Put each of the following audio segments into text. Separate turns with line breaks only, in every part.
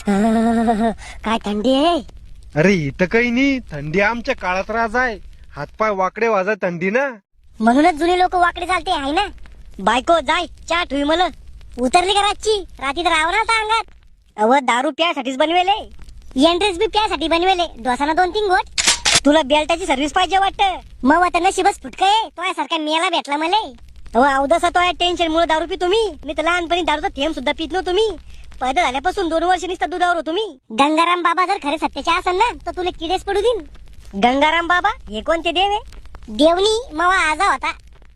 काय थंडी आहे.
अरे इथं काही नाही, थंडी आमच्या काळात राज आहे. हातपाय वाकडे वाजा थंडी ना.
म्हणूनच जुने लोक वाकडे चालते आहे ना. बायको जाय चहा ठुई मला. उतरली का रातची? रात्री तर रावणार होता अंगात. अव दारू प्यासाठीच बनवेले, एंट्रेस बी प्यासाठी बनवेले. डोसाना 2-3 गोट. तुला बेल्टाची सर्व्हिस पाहिजे वाटतं. मग आता नशीबच फुटकं आहे, तो सारखा मेला भेटला मला. अहो अवदसा तो टेन्शन मुळे दारू पी तुम्ही. मी तर लहानपणी दारूचा थेंब सुद्धा पित नव्हतो तुम्ही. पैदा झाल्यापासून 2 वर्ष नुसता दुधावर होतो मी. गंगाराम बाबा जर खरे सत्याचे असेल ना तर तुला किडेच पडू देईन. गंगाराम बाबा हे कोणते देव आहे? देवनी मवा आजा होता.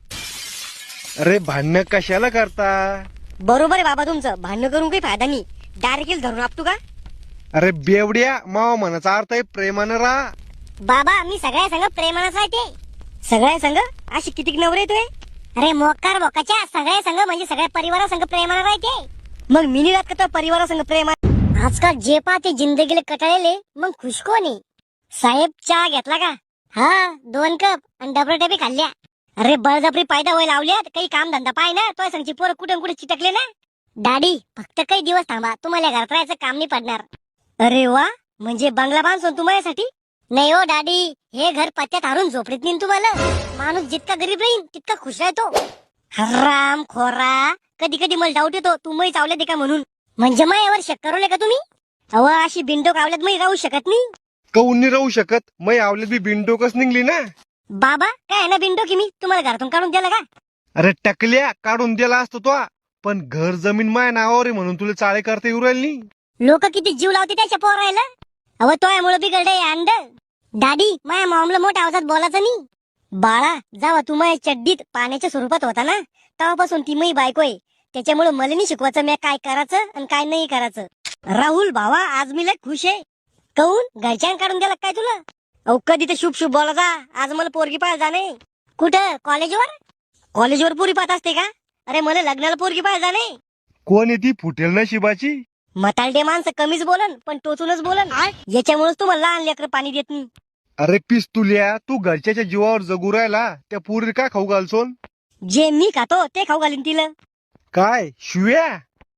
अरे भांडण कशाला करता?
बरोबर आहे बाबा तुमचं. भांडण करून काही फायदा नाही. डायरेक्ट धरून आपटू का?
अरे बेवड्या, मावा म्हणाचा अर्थ आहे प्रेमानं राहा.
बाबा मी सगळ्या संग प्रेमानच राहते. सगळ्या संग अशी किती नवरे येतोय? अरे मोकार बोकाच्या सगळ्या संग म्हणजे सगळ्या परिवारासंग प्रेमानं राहते. मग मिनी रात का परिवारा संग प्रेम? आजकाल जे पाहते जिंदगीला कटाळले मग खुश कोण आहे? साहेब चहा घेतला का? हा 2 कप आणि डबे खाल्ल्या. अरे बळजबरी पायदा व्हायला लावल्यात. काही काम धंदा पाय ना. तो संगची पोरं कुठे कुठे चिटकले ना. डॅडी फक्त काही दिवस थांबा, तुम्हाला घरात राहायचं काम नाही पडणार. अरे वा, म्हणजे बंगला बांधून तुम्हासाठी? नाही हो डॅडी, हे घर पत्त्यात हारून झोपडीत नेईन तुम्हाला. माणूस जितका गरीब राहील तितका खुश राहतो. हराम खोरा, कधी कधी मला डाऊट येतो तू मै चावले दे का म्हणून. म्हणजे मायावर शक करवले का तुम्ही? अव अशी बिंडोक आवल्यात मै राहू शकत नाही.
कौन नाही राहू शकत? मै आवलेत बी बिनडोकच निघली ना.
बाबा काय आहे ना बिंडोकी, मी तुम्हाला घरातून काढून दिलं का?
अरे टकल्या, काढून दिला असतो तो. पण घर जमीन माय नावावर आहे म्हणून तुला चाळे करता येऊ राहिली नाही.
लोक किती जीव लावते त्याच्या पोरायला. अव तोयामुळे बिघडलंय अंड. डॅडी माया मामला मोठ्या आवाजात बोलायचं नाही. बाळा जेव्हा तू माझ्या चड्डीत पाण्याच्या स्वरूपात होता ना तेव्हापासून ती मै बायको आहे. त्याच्यामुळे मला नाही शिकवायचं मी काय करायचं आणि काय नाही करायचं. राहुल भावा आज मी लय खुश आहे. कहून घरच्यान काढून दिला काय तुला? अहो कधी तर शुभ शुभ बोला जा. आज मला पोरगी पाहायला जाणे. कुठं? कॉलेजवर? कॉलेजवर पोरी पाहत असते का? अरे मला लग्नाला पोरगी पाहायला जाणे.
कोण आहे ती फुटेल नशिबाची?
मतालडे माणसं कमीच बोलन पण टोचूनच बोलन. याच्यामुळेच तुम्हाला लहान लेकर पाणी देत नाही.
अरे पिस्तुल्या, तू घरच्याच्या जीवावर जगू राहिला, त्या पोरी काय खाऊ घालसोन?
जे मी खातो ते खाऊ घालीन तिला.
काय शिव्या?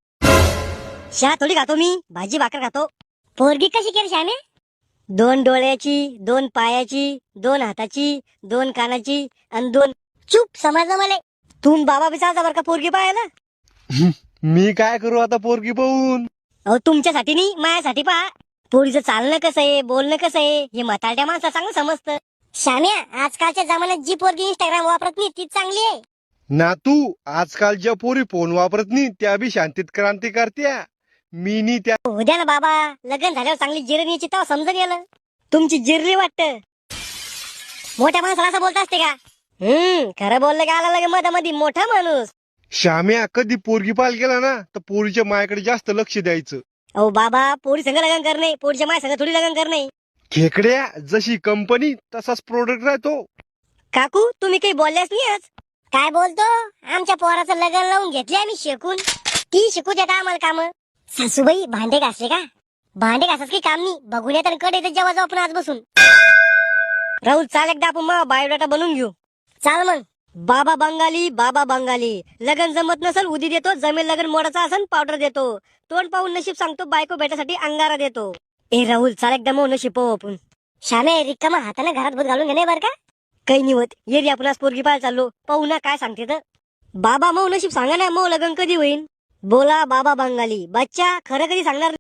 शहा थोडी खातो मी, भाजी भाकर खातो. पोरगी कशी केली श्यामे? 2 डोळ्याची, 2 पायाची, 2 हाताची, 2 कानाची आणि 2. चूप समजलं मला. तू बाबा बिचारता बरं का पोरगी पाहायला.
मी काय करू आता पोरगी पाहून?
अहो तुमच्यासाठी नाही माझ्यासाठी पहा. पोरीचं चालणं कसं आहे, बोलणं कसं आहे हे म्हातारड्या माणसं चांगलं समजतं. श्याम्या आजकालच्या जमान्यात जी पोरगी इंस्टाग्राम वापरत नाही तीच चांगली आहे.
ना तू आजकाल ज्या पोरी फोन वापरत नाही त्या बी शांतीत क्रांती करत्या. मी नी त्या.
उद्या ना बाबा, लग्न झाल्यावर चांगली जिरणी यायची तेव्हा समजून गेलं. तुमची जिरली वाटतं. मोठ्या माणसाला असं बोलत असते का? खरं बोललं का आला लगे मध्ये मोठा माणूस.
श्याम्या कधी पोरगी पाल गेला ना तर पोरीच्या मायाकडे जास्त लक्ष द्यायचं.
अहो बाबा पोरी संग लग्न करणे, पोरीच्या माय संग थोडी लग्न करणे.
खेकड्या, जशी कंपनी तसाच प्रोडक्ट राहतो.
काकू तुम्ही काही बोलल्याच नाही आज. काय बोलतो? आमच्या पोराचं लग्न लावून घेतले आम्ही शिकून. ती शिकू देता आम्हाला काम. सासूबाई भांडे घासले का? भांडे घासाच काही काम नाही. बघून येतात कडे जेव्हा जाऊ आपण आज बसून. राहुल चाल एकदा आपण मग बायोडाटा बनवून घेऊ. चाल मग. बाबा बंगाली लगन जमत नसल उदी देतो, जमेल लगन मोडाचा असन पावडर देतो, तोंड पाहून नशीब सांगतो, बायको भेटासाठी अंगारा देतो. ए राहुल चाल एकदा मग नशीब पाहू आपण. श्यामे रिकामा हाताने घरात भूत घालून घेणे बरं का? काही निवत ये रे आपण आज पोरगी पाहायला चाललो. पाहू ना काय सांगते तर. बाबा मग नशीब सांगा ना, मग लगन कधी होईल? बोला बाबा बंगाली बच्चा खरं कधी सांगणार.